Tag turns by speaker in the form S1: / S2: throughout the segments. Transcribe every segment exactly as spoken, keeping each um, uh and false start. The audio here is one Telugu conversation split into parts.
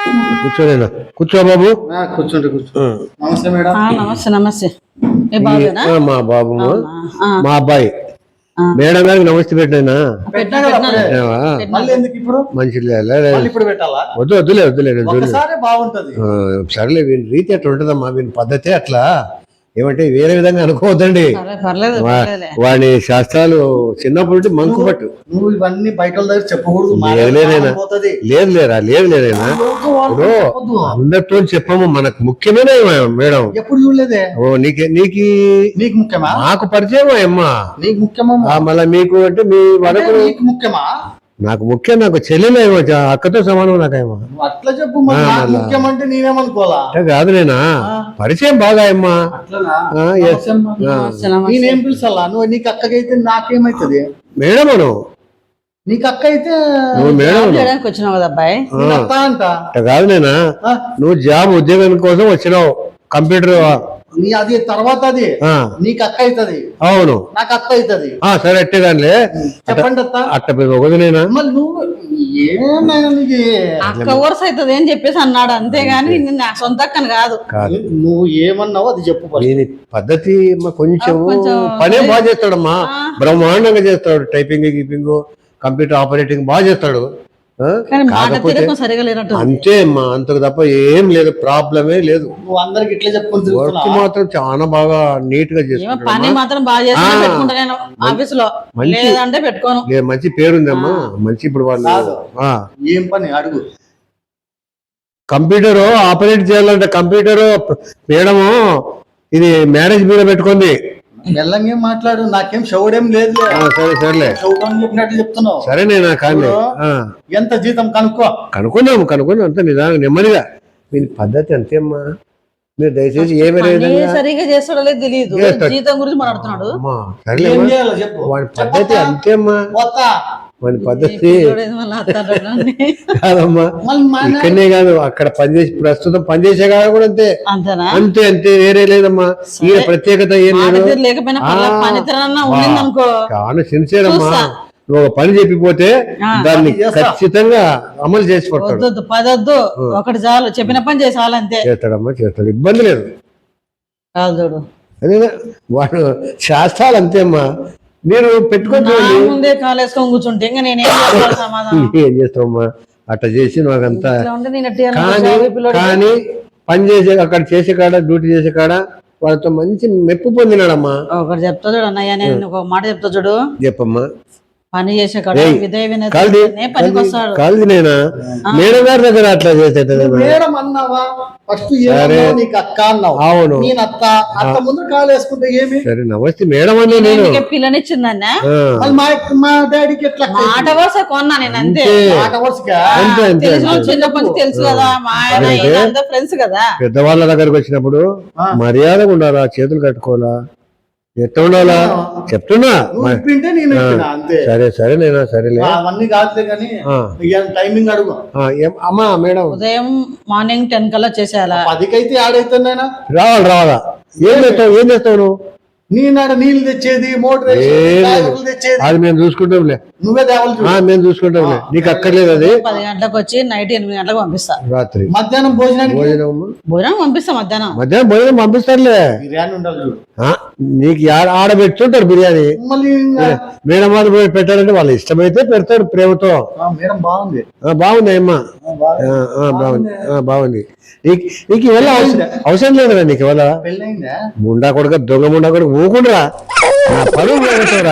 S1: కూర్చోలేనా? కూర్చో బాబు.
S2: కూర్చోండి కూర్చో. నమస్తే మేడం.
S3: నమస్తే నమస్తే.
S1: మా బాబు మా అబ్బాయి మేడం గారికి నమస్తే పెట్టినా. మంచి వద్దు వద్దులే వద్దులే సరేలే వీని రీతి అట్లా ఉంటదమ్మా, వీని పద్ధతి అట్లా. ఏమంటే వేరే విధంగా అనుకోవద్దండి. వాడి శాస్త్రాలు చిన్నప్పటి మంకు పట్టు.
S2: నువ్వు ఇవన్నీ బయట దగ్గర చెప్పకూడదు.
S1: లేదు లేరా లేదు లేదైనా ఇప్పుడు అందరితో చెప్పము. మనకు ముఖ్యమైన మేడం
S2: ఎప్పుడు చూడలేదే.
S1: ఓ నీకే నీకు
S2: నీకు ముఖ్యమా?
S1: మాకు పరిచయం అమ్మా.
S2: నీకు ముఖ్యమా?
S1: మళ్ళీ మీకు అంటే మీ వరకు
S2: నీకు ముఖ్యమా?
S1: నాకు ముఖ్యం. నాకు చెల్లెలేమో, అక్కతో సమానం నాకేమో.
S2: అట్లా చెప్పు. ముఖ్యమంటే నేనేమనుకోవాలా?
S1: కాదు నేనా పరిచయం బాగా అమ్మా.
S2: నేనేం పిలుసా? నువ్వు నీకు అక్కకైతే నాకేమైతుంది
S1: మేడం? అను
S2: నీకు అక్క అయితే
S1: మేడం
S3: వచ్చినావు కదా అబ్బాయి.
S2: అంట
S1: కాదు నేనా, నువ్వు జాబ్ ఉద్యోగం కోసం వచ్చినావు. కంప్యూటర్
S2: నీ అది తర్వాత అది నీకు అక్క అవుతుంది.
S1: అవును
S2: నాకు అక్క అవుతుంది.
S1: సరే అట్టే దానిలే
S2: చెప్పండి అత్త.
S1: అట్ట ఒకదినేనా
S2: మళ్ళీ నువ్వు ఏమైనా నీకు
S3: అక్క వరుస అవుతుంది అని చెప్పేసి అన్నాడు, అంతేగాని నా సొంత అక్కను కాదు.
S2: నువ్వు ఏమన్నావు అది చెప్పు.
S1: దీని పద్ధతి కొంచెం పనే బాగా చేస్తాడమ్మా, బ్రహ్మాండంగా చేస్తాడు. టైపింగ్ గీపింగ్ కంప్యూటర్ ఆపరేటింగ్ బాగా చేస్తాడు. అంతే అమ్మా, అంతకు తప్ప ఏం లేదు, ప్రాబ్లమే లేదు.
S2: నువ్వు అందరికి ఇట్లా చెప్పుకుంటూ
S1: వర్క్ మాత్రం చాలా బాగా నీట్ గా చేస్తాడు.
S3: పని మాత్రం బాగా ఆఫీస్ లో లేదంటే పెట్టుకోను.
S1: మంచి పేరుందమ్మా, మంచి. ఇప్పుడు వాళ్ళు
S2: ఏం పని అడుగు.
S1: కంప్యూటర్ ఆపరేట్ చేయాలంటే కంప్యూటర్ మేడము ఇది మ్యారేజ్ మీద పెట్టుకుంది.
S2: మెల్లంగా మాట్లాడు, నాకేం షౌడేం లేదు.
S1: సరే సరేలే,
S2: చెప్పినట్టు చెప్తున్నావు.
S1: సరే నేనా కానీ
S2: ఎంత జీతం కనుక్కో.
S1: కనుక్కున్నాము కనుక్కున్నాం అంత నిదానం నెమ్మదిగా. మీ పద్ధతి అంతేమ్మా. మీరు దయచేసి ఏమి
S3: సరిగా చేస్తాడో లేదు తెలియదు, జీతం గురించి మాట్లాడుతున్నాడు.
S1: వాడి పద్ధతి అంతేమ్మా, వాడి పద్ధతి కాదమ్మా. ఇక్కడనే కాదు అక్కడ పనిచేసి ప్రస్తుతం పనిచేసే కాడ కూడా అంతే అంతే అంతే, వేరే లేదమ్మా. ఈ ప్రత్యేకత ఏం లేదు. చాలా సిన్సియర్ అమ్మా. నువ్వు ఒక పని చెప్పిపోతే దాన్ని ఖచ్చితంగా అమలు చేసి
S3: పడతాడు. పదొద్దు ఒకటి చాలు, చెప్పిన పని చేసాలంతే.
S1: చేస్తాడమ్మా చేస్తాడు, ఇబ్బంది లేదు. అదే వాడు శాస్త్రాలు అంతే అమ్మా. మీరు పెట్టుకోండి
S3: ముందే కాలేసుకొని కూర్చుంటే ఇంకా నేనేం
S1: ఏం చేస్తావమ్మా. అట్లా చేసి నాకంతా కానీ పని చేసే అక్కడ చేసే కాడ డ్యూటీ చేసే కాడ వాళ్ళతో మంచి మెప్పు పొందినాడమ్మా.
S3: ఒకటి చెప్తా చూడు అన్నయ్య, నేను ఒక మాట చెప్తా చూడు.
S1: చెప్పమ్మా.
S3: పని చేసే కాడ విధేయ
S1: కాదు నేనా మేడం గారి దగ్గర అట్లా చేసేటది.
S2: మేడం అన్నావా? ఫస్ట్ నీకు అక్క అన్నావు.
S1: అవును
S2: నేను అత్త. అత్త ముందు కాలు వేసుకుంటే ఏమి?
S1: సరే నమస్తే మేడం అన్నా. నేను
S3: పిల్లనిచ్చిందన్న
S2: మా డాడీకి ఎట్లా
S3: మాట వరుస కొన్నా నేను అంతే.
S2: మాట వరుసగా
S3: చిన్నప్పటి నుంచి తెలుసు కదా, మా ఆయన ఫ్రెండ్స్ కదా.
S1: పెద్దవాళ్ళ దగ్గరకు వచ్చినప్పుడు మర్యాదగా ఉండాలా, చేతులు కట్టుకోవాలా, ఎట్లా ఉండాలా చెప్తున్నా. సరే సరే నేనా సరేలే.
S2: అవన్నీ కాదులే కానీ టైమింగ్ అడుగు.
S1: అమ్మా మేడం
S3: ఉదయం మార్నింగ్ టెన్ కల్లా చేసేయాలా?
S2: పదికైతే ఆడైతున్నా
S1: రావాలి రావాలా? ఏం చేస్తావు ఏం చేస్తావు నువ్వు?
S2: నీనాడ నీళ్ళు తెచ్చేది, మోటార్ తెచ్చేది
S1: అది మేము చూసుకుంటాంలే.
S2: నువ్వే దేవాలి,
S1: మేము చూసుకుంటాంలే. నీకు అక్కర్లేదు. అది
S3: పది గంటలకు వచ్చి నైట్ ఎనిమిది గంటలకు పంపిస్తా.
S1: రాత్రి
S2: మధ్యాహ్నం భోజనం
S1: భోజనం
S3: భోజనం పంపిస్తా. మధ్యాహ్నం
S1: మధ్యాహ్నం భోజనం పంపిస్తారులే.
S2: బిర్యానీ ఉండాలి చూడు.
S1: నీకు ఆడ పెట్టుకుంటారు బిర్యానీ.
S2: మళ్ళీ
S1: మేడం వాళ్ళు పెట్టారంటే వాళ్ళు ఇష్టమైతే పెడతారు ప్రేమతో.
S2: మేడం బాగుంది
S1: బాగుంది అమ్మా, బాగుంది బాగుంది. నీకు నీకు ఇవాళ అవసరం లేదు కదా. నీకు ఇవాళ ముండా కొడుక దొంగ ముండా కొడుకు ఊకుండురా, నా పనులు పెడతారా?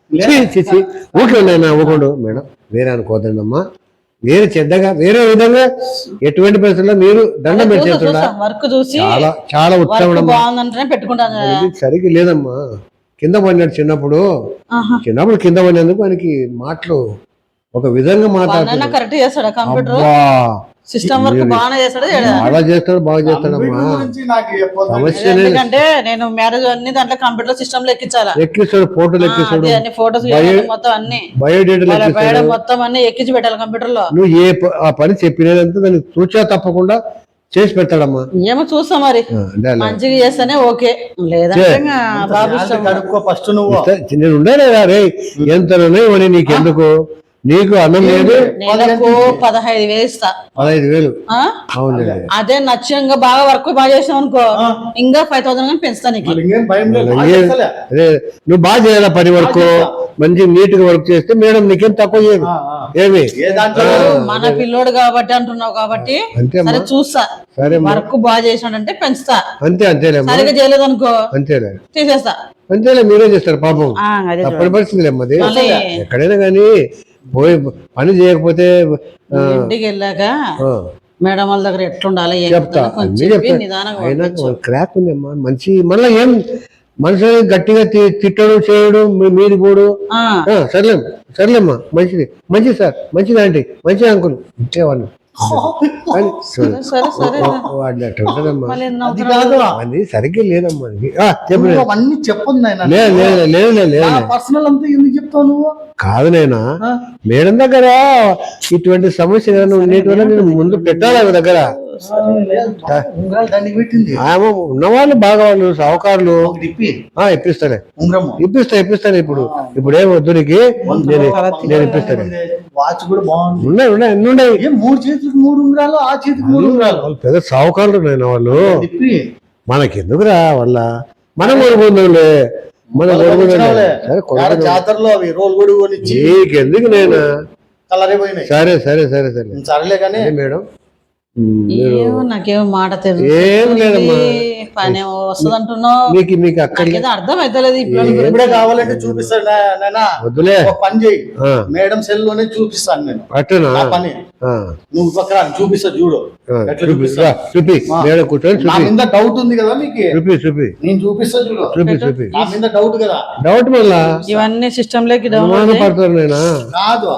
S1: ఊకే ఉన్నాయన్నా ఊకుండు. మేడం వేరే అనుకోదండి అమ్మా, వేరే చెడ్డగా వేరే విధంగా ఎటువంటి పరిస్థితుల్లో మీరు దండం పెట్టేస్తున్నా. చాలా చాలా ఉత్తమం. సరిగ్గా లేదమ్మా. కింద పడినాడు చిన్నప్పుడు. చిన్నప్పుడు కింద పడినందుకు ఆయనకి మాటలు ఒక విధంగా మాట్లాడుతున్నాడు.
S3: సిస్టమ్ వర్క్ బాగా చేస్తాడు,
S1: బాగా చేస్తాడు బాగా చేస్తాడమ్మా. సమస్య
S3: ఎందుకంటే నేను మ్యారేజ్ అన్ని దాంట్లో కంప్యూటర్ సిస్టమ్ లో ఎక్కించాలా.
S1: ఎక్కిస్తాడు, ఫోటోలు ఎక్కిస్తాడు,
S3: ఫోటోస్ మొత్తం అన్ని
S1: బయోడేటా
S3: మొత్తం అన్ని ఎక్కించి పెట్టాలి కంప్యూటర్ లో.
S1: నువ్వు ఏ ఆ పని చెప్పినదంతా దాన్ని చూచా తప్పకుండా చేసి పెడతాడమ్మా.
S3: ఏమో చూస్తా మరి, మంచిగా చేస్తేనే ఓకే, లేదంటే
S2: ఫస్ట్ నువ్వు
S1: నేను ఉండాలి రే. ఎంత నీకెందుకు నీకు అన్నం లేదు,
S3: నెలకు పదహైదు వేలు ఇస్తా.
S1: పదహైదు వేలు
S3: ఆ?
S1: అవును.
S3: అదే నచ్చంగా బాగా వర్క్ బాగా చేసావు అనుకో ఇంకా ఫైవ్ థౌసండ్ కానీ పెంచుతా నీకు.
S2: మరి ఇంకేం భయం లేదు, బాగా
S1: ఏ-
S2: చేస్తలే.
S1: అదే నువ్వు బాగా చేయాలా పని వర్క్, మంచి నీట్ గా వర్క్ చేస్తే మేడం నీకేం తక్కువ చేయదు.
S2: ఆ, ఆ.
S1: ఏమి
S2: ఏ దాంట్లో
S3: మన పిల్లోడు కాబట్టి అంటున్నావు కాబట్టి
S1: అంతేమ్మా.
S3: సరే చూస్తా,
S1: సరే
S3: వర్క్ బాగా చేసినాడంటే పెంచుతా,
S1: అంతే అంతేలేమ్మా,
S3: సరిగా చేయలేదు అనుకో
S1: అంతేలే
S3: తీసేస్తా.
S1: అంతేలే, మీరే చేస్తారు పాపం,
S3: ఆ, అదే చూడు.
S1: తప్పని పరిస్థితి అమ్మది.
S3: మళ్ళీ
S1: ఎక్కడైనా కానీ పోయి పని చేయకపోతే ఆ,
S3: ఇంటికి వెళ్ళాక
S1: ఆ,
S3: మేడం వాళ్ళ దగ్గర ఎట్లుండాలి ఏం
S1: చెప్తా
S3: కథ కొంచెం
S1: అన్నీ
S3: చెప్పి
S1: చెప్తా.
S3: నిదానంగా
S1: అయినా
S3: పంపించు.
S1: క్రాక్ ఉంది అమ్మా మంచి, మళ్ళీ ఏం మనుషులు గట్టిగా తి- తిట్టడం చేయడం మీ- మీది పోడు.
S3: ఆ,
S1: ఆ, సర్లేం సర్లేమ్మా, మంచిది మంచిది సార్, మంచిది ఆంటీ, మంచిది అంకుల్ ఇచ్చేవాళ్ళు. కానీ
S3: సరే సరే సరే
S1: వాడిని అట్లా ఉంటుందమ్మా,
S3: మళ్ళీ ఎన్ని
S2: అది
S3: నవ్వుతున్నావు?
S2: కాదు,
S1: అది సరిగ్గా లేదమ్మా అది. ఆ, చెప్పు
S2: నువ్వు అవన్నీ చెప్పొద్దు నాయన.
S1: లేదు లేదు లేదు లేదు లేదు
S2: పర్సనల్ అంతా ఎందుకు చెప్తావు నువ్వు?
S1: కాదు నైనా,
S2: ఆ?
S1: మేడం దగ్గర ఇటువంటి సమస్య ఏదైనా ఉండేటి వల్ల నేను ముందు పెట్టాలి ఆమె దగ్గర.
S2: ఉంగరాలు దండికి పెట్టింది,
S1: ఆమె ఉన్నవాళ్ళు బాగా వాళ్ళు సావుకారులు.
S2: ఒకటి ఇప్పి
S1: ఆ ఇప్పిస్తానే,
S2: ఉంగరము,
S1: ఇప్పిస్తా ఇప్పిస్తాను ఇప్పుడు ఇప్పుడు ఏం వద్దు నీకు, నేను నేను ఇప్పిస్తాను.
S2: వాచ్ కూడా బాగుంది.
S1: ఉన్నాయి ఉన్నాయి ఎన్ని ఉన్నాయి,
S2: ఏం మూడు చేతులకు మూడు ఉంగరాలు, ఆ చేతికి మూడు ఉంగరాలు
S1: వాళ్ళు పెద్ద సావుకారులు నేను వాళ్ళు.
S2: తిప్పి
S1: మనకెందుకురా వాళ్ళ, మనం కొనుక్కుందాంలే, మనం కొనుక్కుందాంలే. సరే
S2: యాడ
S1: కొనుక్కుందాం,
S2: జాతరలో అవి రోల్ కూడా కొనిచ్చి
S1: నీకెందుకు నేను.
S2: కలరే పోయినాయి.
S1: సరే సరే సరే సరే
S2: సరేలే కానీ
S1: అదే మేడం. ఉమ్, మీరు
S3: ఏమో నాకేమో మాట
S1: ఏం
S3: తెలియదు,
S1: లేదమ్మా.
S3: పని వస్తుంది అంటున్నావు,
S1: మీకు మీకు అక్కడ
S3: నాకేదో అర్థం అవుతలేదు ఇప్పుడు.
S2: ఇప్పుడే కావాలంటే చూపిస్తాను నా- నాయనా.
S1: వద్దులే.
S2: ఒక పని చేయి,
S1: ఆ,
S2: మేడం సెల్ లోనే చూపిస్తాను నేను
S1: అట్టనా
S2: నా పని.
S1: ఆ,
S2: నువ్వు పక్కన చూపిస్తా చూడు
S1: ఆ,
S2: ఎట్లా
S1: చూపి
S2: చూపిస్తా.
S1: రా, చూపి
S2: ఆ.
S1: మేడం కూర్చొని
S2: నా
S1: చూపి
S2: మీద డౌట్ ఉంది కదా మీకు,
S1: చూపి చూపి
S2: నేను చూపిస్తా చూడు.
S1: చూపి చూపి
S2: నా మీద డౌట్ కదా.
S1: డౌట్ మళ్ళా
S3: ఇవన్నీ సిస్టమ్ లోకి డౌన్లోడ్
S1: అనుమాన పడతారు నేనా.
S2: కాదు,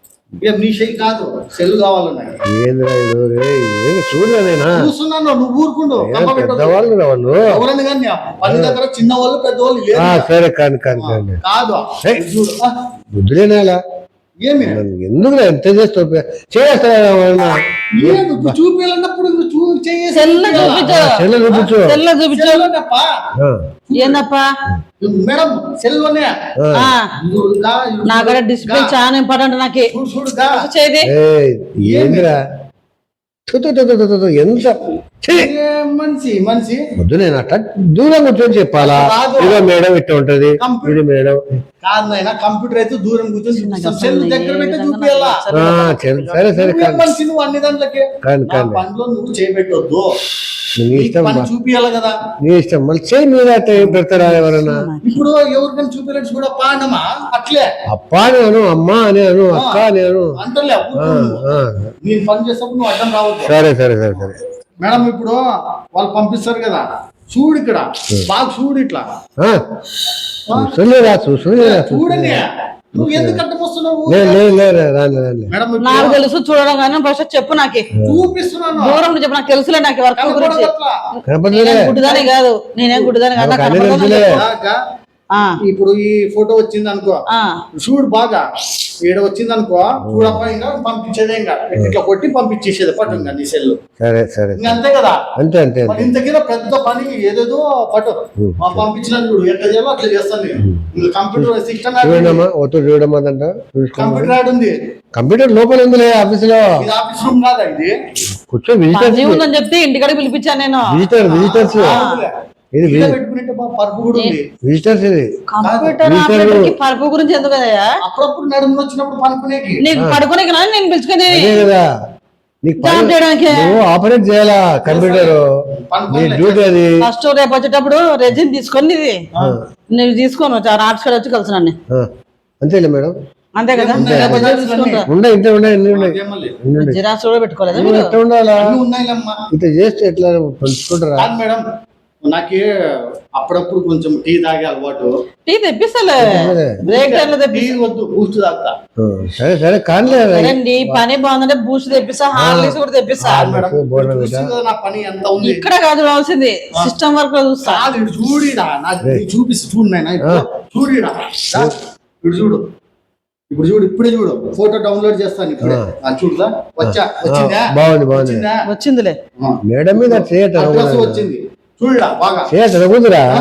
S2: ఏం నీ చెయ్యి కాదు, సెల్ కావాలి నాకు.
S1: ఏంద్రా ఇది రే, ఏం చూడలే నేనా,
S2: చూస్తున్నాను, నువ్వు ఊరుకుండు.
S1: ఏం
S2: కమ్మ పెట్టొద్దు.
S1: పెద్దవాళ్ళు రా వాళ్ళు.
S2: ఎవరని కానీ పని దగ్గర చిన్న వాళ్ళు పెద్దవాళ్ళు లేదు.
S1: ఆ, సరే కాని కాని కాని
S2: కాదు
S1: ఏయ్.
S2: చూడు. ఆ,
S1: బుద్ధులేనాలా
S2: ఏమి
S1: ఎందుకు ఎంత చేస్తావు చేస్తా
S2: లేదు, నువ్వు చూపించాలన్నప్పుడు నువ్వు చూ చేయేసి
S3: సెల్ల చూపించు,
S1: చెల్లె చూపించు.
S3: సెల్ల చూపించు.
S2: సెల్లోనేప్పా.
S1: ఆ,
S3: ఏందప్పా
S2: మేడం సెల్లోనే
S1: ఆ.
S3: ఆ,
S2: చూడుగా,
S3: నా కూడా డిస్ప్లే చాలా ఇంపార్టెంట్ నాకు.
S2: చూడు చూడుగా.
S3: చేది
S1: ఏయ్, ఏందిరా థు, థు, థు, థు, థు, థు, ఎంత ఛీ!
S2: ఏ మనిషి మనిషి
S1: వద్దు నేను అట్లా దూరం కూర్చొని చెప్పాలా,
S2: కాదు.
S1: ఇదో మేడం ఇట్లా ఉంటది,
S2: కంప్యూటర్.
S1: ఇది మేడం.
S2: కాదు నాయన, కంప్యూటర్ అయితే దూరం కూర్చొని చూపిస్తాం, సెల్ దగ్గర పెట్టి చూపియాలా.
S1: ఆ, సరే సరే సరే
S2: నువ్వేం
S1: కాని
S2: మనిషి నువ్వు అన్ని దాంట్లకి.
S1: కాని
S2: నా
S1: కాని
S2: పనిలో నువ్వు చేయబెట్టొద్దు,
S1: నీ
S2: నీకు
S1: ఇష్టం
S2: పని
S1: బా.
S2: చూపియాలి కదా.
S1: నీ ఇష్టం మళ్ళీ చేయి మీద అట్లా ఏం పెడతారా ఎవరన్నా.
S2: ఇప్పుడు ఎవరికైనా చూపించచ్చు కూడా పాండమా అట్లే
S1: అప్ప అని అను, అమ్మ అని అను, అక్క అని అను.
S2: అంటలే
S1: ఆ, ఆ.
S2: నేను పని చేసేప్పుడు నువ్వు అడ్డం రావద్దు.
S1: సరే సరే సరే సరే
S2: మేడం ఇప్పుడు వాళ్ళు పంపిస్తారు కదా, చూడు ఇక్కడ బాగా చూడు ఇట్లా.
S1: ఆ, చూసలేదా చూసలేదా
S2: చూడని నువ్వు ఎందుకు అడ్డం వస్తున్నావు?
S1: లేదు లేదు లేదు రాని రాని
S2: మేడం ఇప్పుడు
S3: నాకు తెలుసు చూడడం కానీ ఫస్ట్ చెప్పు నాకు,
S2: చూపిస్తున్నాను.
S3: దూరం నుంచి చెప్పు, నాకు తెలుసులే నాకు వర్క్ గురించి.
S2: కనపడదు అట్లా.
S1: కనపడలేదే.
S3: నేనేం గుడ్డిదానే కాదు, నేనేం గుడ్డిదానే కాదు, నాకు
S1: నాకు అన్నీ
S3: కనపడదు
S1: తెలుసులే.
S3: నాకు.
S2: అలాగా
S3: ఆ,
S2: ఇప్పుడు ఈ ఫోటో వచ్చింది అనుకో,
S3: ఆ,
S2: చూడు బాగా ఈడ వచ్చింది అనుకో, చూడప్ప ఇంకా పంపించేదే, ఇంకా ఇట్లా కొట్టి పంపించేసేది పట్టు ఇంకా నీ సెల్.
S1: సరే సరే
S2: ఇంకా అంతే కదా.
S1: అంతే అంతే
S2: మరి
S1: అంతే
S2: ఇంతకీ పెద్ద పని ఏదేదో పట్టు మా పంపించినాను చూడు, ఎట్లా చేయాలో అట్లా చేస్తాను నేను. ఇంకా కంప్యూటర్ సిస్టమ్
S1: చూడమ్మా ఒత్తు చూడమ్మా అంట చూసుకో.
S2: కంప్యూటర్ యాడ్ ఉంది,
S1: కంప్యూటర్ లోపల ఉందిలే ఆఫీస్ లో,
S2: ఇది ఆఫీస్ రూమ్ కాదా ఇది?
S1: కూర్చో విజిటర్స్
S3: పని ఉందని చెప్తే ఇంటికాడికి పిలిపించాను నేను.
S1: విజిటర్ విజిటర్స్
S2: అవునులే.
S1: ఇది
S2: ఇలా పెట్టుకునేట్టు బా పరుపు కూడా ఉంది.
S1: విజిటర్స్ ఇది
S3: కంప్యూటర్
S1: వీటిలో-
S3: ఆపరేటర్ కి పరుపు గురించి ఎందుకు కదయ్యా?
S2: అప్పుడప్పుడు నడుము వచ్చినప్పుడు పనుకునేకి.
S3: నీకు పడుకునే కదా నేను పిలుచుకుని
S1: అదే కదా నీకు పని-
S3: జాబ్ చేయడానికి.
S1: నువ్వు ఆపరేట్ చేయాలా కంప్యూటర్, నీ
S2: పనుకోలే.
S1: డ్యూటీ అది.
S3: ఫస్ట్ రేపు వచ్చేటప్పుడు రెజిన్ తీసుకొని ఇది నువ్వు తీసుకొని వచ్చా ఆర్ట్స్ కాడ వచ్చి కలిసి నన్ను,
S1: ఆ, అంతేలే మేడం.
S3: అంతే కదా.
S2: ఉన్నాయి,
S3: రేపు వచ్చి
S2: ఉన్నాయి,
S3: తీసుకుంటా.
S1: ఉండే ఇంట్లో ఉన్నాయి అన్ని ఉన్నాయి
S2: ఏం మళ్ళీ?
S1: అన్ని ఉన్నాయి.
S3: జిరాక్స్ కూడా పెట్టుకోలేదా
S1: నువ్వు
S3: మీరు?
S1: ఎట్లా ఉండాలా
S2: అన్నీ ఉన్నాయిలేమ్మా.
S1: ఇట్లా చేస్తే ఎట్లా పంచుకుంటారా.
S2: కాదు మేడం, నాకే అప్పుడప్పుడు కొంచెం టీ తాగే అలవాటు.
S3: టీ తెప్పిస్తాలే, బ్రేక్ టైం లో
S2: టీ
S3: తెప్పిస్తా.
S2: వద్దు, బూస్ట్ తాగుతా.
S1: ఆ, సరే సరే కానిలే
S3: సరే నీ పని బాగుందంటే బూస్ట్ తెప్పిస్తా, హార్లిక్స్ కూడా తెప్పిస్తా.
S2: కాదు మేడం,
S1: బోర్డు
S2: చూసి కదా నా పని ఎంత ఉంది.
S3: ఇక్కడ కాదు రావాల్సింది, సిస్టమ్ వర్క్ లో చూస్తా.
S2: కాదు ఇటు చూడిడా, నాకు ఇది చూపిస్తు చూడు నాయన, ఇటు చూడిడా, రా, ఇటు చూడు, ఇప్పుడు చూడు, ఇప్పుడే చూడు, ఫోటో డౌన్లోడ్ చేస్తాను ఇప్పుడే. ఆ, చూడుదా వచ్చా, వచ్చిందా?
S1: బాగుంది బాగుంది
S2: వచ్చిందా?
S3: వచ్చిందిలే.
S1: మేడం మీద చేయట
S2: అడ్రస్ వచ్చింది, చూడరా బాగా.
S1: చేయట కుదురా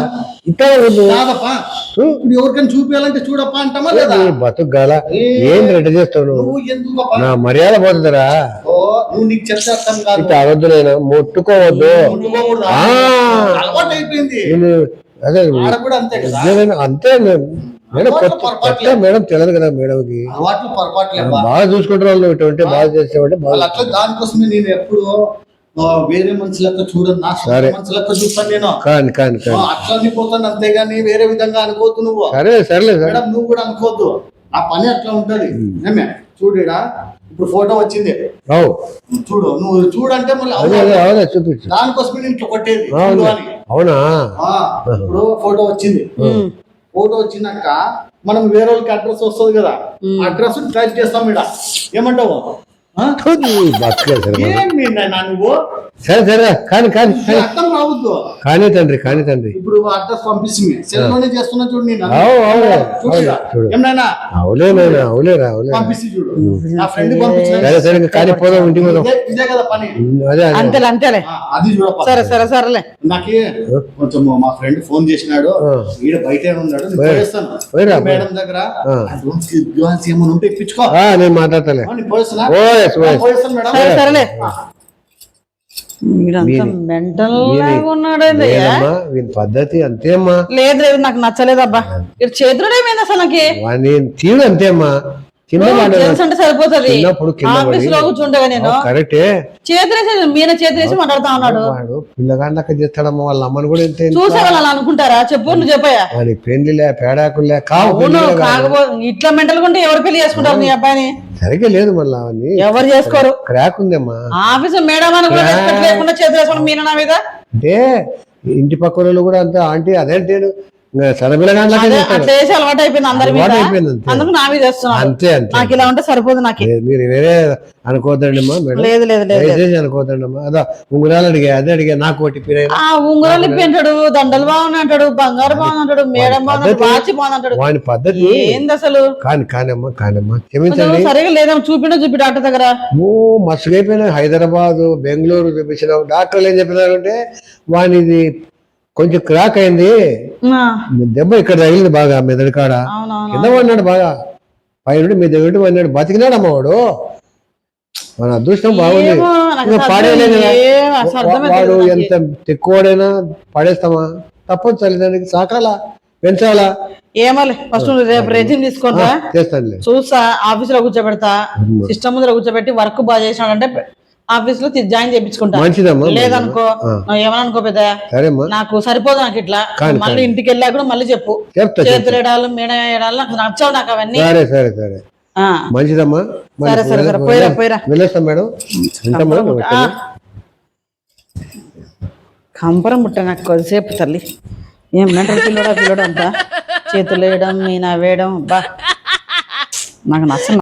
S1: ఇట్లా వద్దు.
S2: కాదప్పా ఇప్పుడు ఎవరికైనా చూపించాలంటే చూడప్పా అంటామా లేదా
S1: నీ బతుకు గాల ఏం రెడ్డి చేస్తావు నువ్వు?
S2: నువ్వు ఎందుకప్పా
S1: నా మర్యాద పోతుందిరా.
S2: ఓ నువ్వు నీకు చెప్తే అర్థం కాదు
S1: ఇట్లా అవద్దు, నేను ముట్టుకోవద్దు.
S2: ముట్టుకోకూడదా?
S1: ఆ.
S2: అలవాటు అయిపోయింది
S1: నేను అదే
S2: ఆడ కూడా అంతే కదా
S1: నేను అంతే మేడం. మేడం
S2: అలవాట్లు
S1: కొత్త
S2: పొరపాట్లే.
S1: కొత్త మేడం తెలియదు కదా మేడంకి.
S2: అలవాట్లు పొరపాట్లేబ్బా
S1: బాగా చూసుకుంటారు వాళ్ళు, ఇటువంటి బాగా చేసేవాడి బాగా.
S2: వాళ్ళు అట్లా దానికోసమే నేను ఎప్పుడు ఆ, వేరే మనుషులతో చూడను నా సొంత
S1: సరే.
S2: మనుషులతో చూస్తాను నేను
S1: కాని కాని
S2: ఆ,
S1: కాని
S2: అట్లా అనిపోతాను అంతేగాని వేరే విధంగా అనుకోవద్దు నువ్వు
S1: సరే సరేలే సరే.
S2: మేడం నువ్వు కూడా అనుకోవద్దు ఆ పని అట్లా ఉంటది ఏమే చూడడా ఇప్పుడు ఫోటో వచ్చింది
S1: అవు
S2: చూడు నువ్వు చూడంటే మళ్ళీ
S1: అదే అదే అవునా చూపించు.
S2: దానికోసమే నేను ఇట్లా కొట్టేది
S1: అవును.
S2: చూడు అని
S1: అవునా
S2: ఆ, ఇప్పుడు ఫోటో వచ్చింది ఫోటో వచ్చినాక మనం వేరే వాళ్ళకి అడ్రస్ వస్తుంది కదా అడ్రస్ టైప్ చేస్తాం ఇక్కడ ఏమంటావు ఆ?
S1: బతుకే సరే మరి.
S2: ఏం మీ నాయనా నువ్వు
S1: సరే సరే కాని కాని
S2: నీకు అర్థం రావద్దు
S1: కానీ తండ్రి కానీ తండ్రి
S2: ఇప్పుడు అడ్రస్ పంపిస్తుంది సెల్ లోనే చేస్తున్నా చూడు నేను
S1: అవు అవు
S2: చూడు ఇక.
S1: చూడు
S2: ఏమన్నా
S1: అవులే నాయనా అవులేరా అవులే.
S2: పంపిస్తే చూడు నా ఫ్రెండ్ పంపించిన
S1: సరే సరే ఇంకా కానీ పోదాం ఇంటికి పోదాం.
S2: ఇదే- ఇదే కదా పని
S1: అదే అదే
S3: అంతేలే అంతేలే
S2: ఆ, అది చూడప్ప
S3: సరే సరే సరేలే
S2: నాకు కొంచెం మా ఫ్రెండ్ ఫోన్ చేసినాడు ఈడ బయట ఉన్నాడు నేను పోయేస్తాను
S1: పోయిరా,
S2: మేడం దగ్గర
S1: ఆ.
S2: అడ్వాన్స్ అడ్వాన్స్ ఏమైనా ఉంటే ఇప్పించుకో
S1: ఆ, నేను మాట్లాడతాలే.
S2: ఆ, నేను పోయేస్తున్నా
S1: ఓయస్ ఓయస్.
S2: పోయేస్తాను మేడం
S3: సరే సరేలే వీడంతా మెంటల్ లాగా ఉన్నాడండి
S1: లేదమ్మా వీని పద్ధతి అంతేమ్మా.
S3: లేదు లేదు నాకు నచ్చలేదబ్బా ఇక్కడ చేతులు ఏమైంది అసలు నాకు
S1: వాని తీరు అంతేమ్మా. కింద పడ్డాడు.
S3: జెంట్స్ అంటే సరిపోతుంది
S1: చిన్నప్పుడు కింద
S3: ఆఫీస్ లో
S1: పడి
S3: కూర్చుంటగా నేను
S1: కరెక్టే.
S3: చేతులేసి మీన చేతులేసి మాట్లాడుతా ఉన్నాడు
S1: వాడు పిల్లగాండ్లక చేస్తాడమ్మా. వాళ్ళ అమ్మని కూడా ఎంత
S3: చూసే వాళ్ళు అనుకుంటారా చెప్పు నువ్వు చెప్పాయా
S1: వాని పెళ్లిలే పేడాకులే కావు
S3: అవును
S1: పెళ్లిలే కాదు.
S3: కాకపోతే ఇట్లా మెంటల్ ఉంటే ఎవరు పెళ్లి చేసుకుంటారు నీ అబ్బాయిని
S1: సరిగ్గా లేదు మళ్ళా అవన్నీ
S3: ఎవరు చేసుకోరు
S1: క్రాక్ ఉందమ్మా.
S3: ఆఫీస్ మేడం అని కూడా రెస్పెక్ట్ లేకుండా చేతులు వేసుకోండి మీన నా మీద
S1: అంటే ఇంటి పక్క వాళ్ళు కూడా అంతే ఆంటీ అదేంటి సడపిల్లగాండ్లకే
S3: అదే
S1: చేస్తాడు.
S3: అట్లా వేసి అలవాటు అయిపోయింది అందరి మీద
S1: అలవాటు అయిపోయింది అంతే.
S3: అందుకు నా మీద వేస్తున్నాడు
S1: అంతే అంతే.
S3: నాకు ఇలా ఉంటే సరిపోదు నాకు
S1: లేదు, మీరు వేరే అనుకోవద్దండి అమ్మా మేడం.
S3: లేదు లేదు లేదు
S1: దయచేసి అనుకోవద్దండి అమ్మా. అదా ఉంగరాలు అడిగా అదే అడిగా నాకు ఒకటి పిరైనా
S3: ఆ ఉంగరాలు ఇప్పి అంటాడు దండలు బాగుంది అంటాడు బంగారు బాగుంది అంటాడు మేడం బాగుంది అంటాడు వాచి బాగుంది అంటాడు
S1: వాని పద్ధతి
S3: ఏంది అసలు
S1: కాని కానమ్మా కానమ్మా
S3: కొంచెం
S1: క్షమించండి.
S3: సరిగా లేదమ్మా చూపిండు చూపి డాక్టర్ దగ్గర
S1: ఓ మస్తుగైపోయినా హైదరాబాద్ బెంగళూరు చూపించినాం. డాక్టర్లు ఏం చెప్పినారంటే వానిది కొంచెం క్రాక్ అయింది,
S3: ఆ,
S1: దెబ్బ ఇక్కడ తగిలింది బాగా మెదడు కాడ,
S3: అవునవును
S1: కింద పడినాడు బాగా, పైన మీ దగ్గర పడినాడు, బతికినాడు అమ్మ వాడు. మన అదృష్టం బాగుంది.
S3: ఏమో, నాకు
S1: ఇంకా
S3: అసలు
S1: పాడేయలేదు కదా.
S3: ఏం అసలు అర్థమే
S1: వాడు
S3: తెలియదు
S1: ఎంత
S3: నాకు.
S1: ఎక్కువడైనా పడేస్తామా? తప్పదు తల్లిదండ్రికి సాకాలా పెంచాలా.
S3: ఏమోలే ఫస్ట్ నువ్వు రేపు రెజ్యూమ్ తీసుకుంటా
S1: చేస్తానులే.
S3: చూస్తా ఆఫీస్ లో కూర్చోబెడతా సిస్టమ్ ముందర కూర్చోబెట్టి వర్క్ బాగా చేసినాడంటే ఆఫీస్ లో జాయిన్ చేయించుకుంటా
S1: మంచిదమ్మా
S3: లేదనుకో నువ్వు ఏమనుకో పెద్ద
S1: సరేమ్మా
S3: నాకు సరిపోదు నాకు ఇట్లా
S1: కాని,
S3: మళ్ళీ ఇంటికి వెళ్ళా కూడా మళ్ళీ చెప్పు
S1: చెప్తా చెప్తా.
S3: చేతులు ఏడాలు మేడ ఏడాలు నాకు నచ్చావు నాకు అవన్నీ
S1: సరే సరే సరే
S3: ఆ,
S1: మంచిదమ్మా. మరి
S3: సరే సరే సరే పోయిరా పోయిరా
S1: వెళ్ళొస్తాం మేడం. ఉంటామా?
S3: ఆ. కంపరం ముట్ట నాకు కొద్దిసేపు తల్లి ఏం మెంటల్ పిల్లడా పిల్లడు అంతా చేతులు వేయడం నేను వేయడం బా నాకు నచ్చ